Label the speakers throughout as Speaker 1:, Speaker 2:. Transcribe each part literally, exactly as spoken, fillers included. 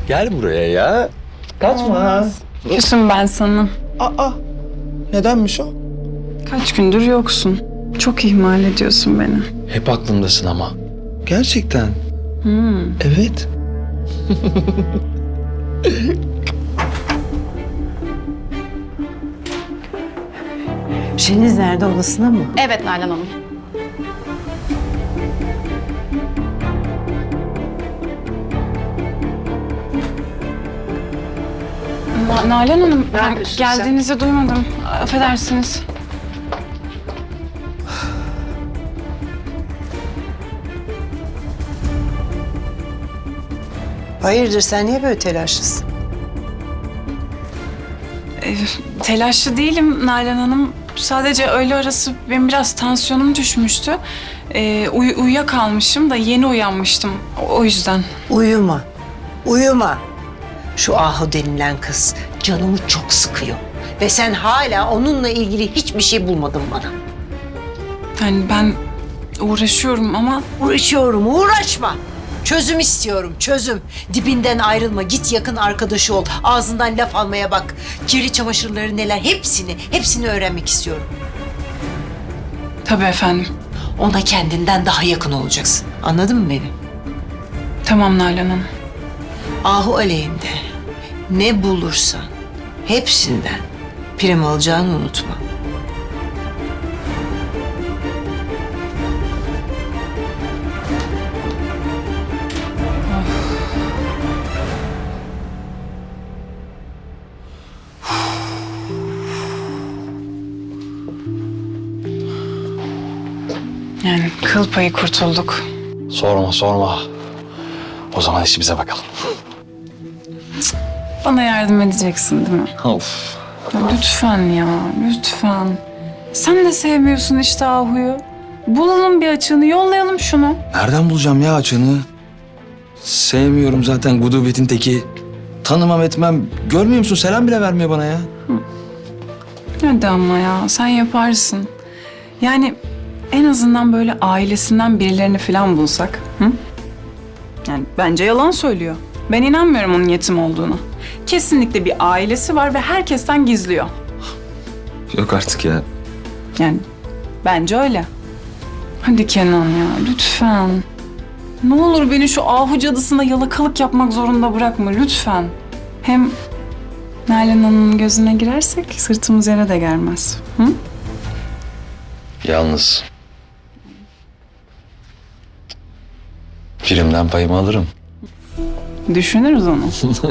Speaker 1: Gel buraya ya. Kaçma.
Speaker 2: Küsüm ben sana.
Speaker 3: Aa, nedenmiş o?
Speaker 2: Kaç gündür yoksun. Çok ihmal ediyorsun beni.
Speaker 1: Hep aklımdasın ama.
Speaker 3: Gerçekten.
Speaker 2: Hmm.
Speaker 3: Evet.
Speaker 4: Şeniz nerede, odasına mı?
Speaker 5: Evet Nalan Hanım.
Speaker 2: Na- Nalan Hanım, ben
Speaker 4: yapıyorsun sen?
Speaker 2: geldiğinizi duymadım. Affedersiniz.
Speaker 4: Hayırdır, sen niye böyle telaşlısın?
Speaker 2: Ee, telaşlı değilim Nalan Hanım. Sadece öğle arası benim biraz tansiyonum düşmüştü. Ee, uy- uyuyakalmışım da yeni uyanmıştım. O, o yüzden.
Speaker 4: Uyuma, uyuma. Şu Ahu denilen kız canımı çok sıkıyor. Ve sen hala onunla ilgili hiçbir şey bulmadın bana.
Speaker 2: Yani ben uğraşıyorum ama
Speaker 4: Uğraşıyorum, uğraşma. Çözüm istiyorum, çözüm. Dibinden ayrılma, git yakın arkadaşı ol. Ağzından laf almaya bak. Kirli çamaşırları neler, hepsini, hepsini öğrenmek istiyorum.
Speaker 2: tabii efendim.
Speaker 4: Ona kendinden daha yakın olacaksın. Anladın mı beni?
Speaker 2: Tamam Nalan Hanım.
Speaker 4: Ahu aleyhinde ne bulursan hepsinden prim alacağını unutma.
Speaker 2: Yani kıl payı kurtulduk.
Speaker 1: Sorma sorma. O zaman işimize bakalım.
Speaker 2: Bana yardım edeceksin değil mi?
Speaker 1: Of.
Speaker 2: Ya lütfen ya, lütfen. Sen de sevmiyorsun işte Ahu'yu. Bulalım bir açığını, yollayalım şunu.
Speaker 1: Nereden bulacağım ya açığını? Sevmiyorum zaten gudubetin teki. Tanımam etmem. Görmüyor musun? Selam bile vermiyor bana ya.
Speaker 2: Hadi ama ya, sen yaparsın. Yani en azından böyle ailesinden birilerini falan bulsak. Hı? Yani bence yalan söylüyor. Ben inanmıyorum onun yetim olduğuna. Kesinlikle bir ailesi var ve herkesten gizliyor.
Speaker 1: Yok artık ya.
Speaker 2: Yani bence öyle. Hadi Kenan ya, lütfen. Ne olur beni şu Ahu cadısına yalakalık yapmak zorunda bırakma, lütfen. Hem Nalan Hanım'ın gözüne girersek sırtımız yere de gelmez. Hı?
Speaker 1: Yalnız. Primden payımı alırım.
Speaker 2: Düşünürüz onu.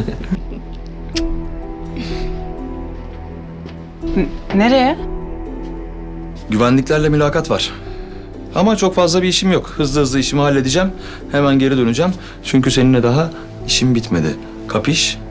Speaker 2: N- nereye?
Speaker 1: Güvenliklerle mülakat var. Ama çok fazla bir işim yok. Hızlı hızlı işimi halledeceğim. Hemen geri döneceğim. Çünkü seninle daha işim bitmedi. Kapiş?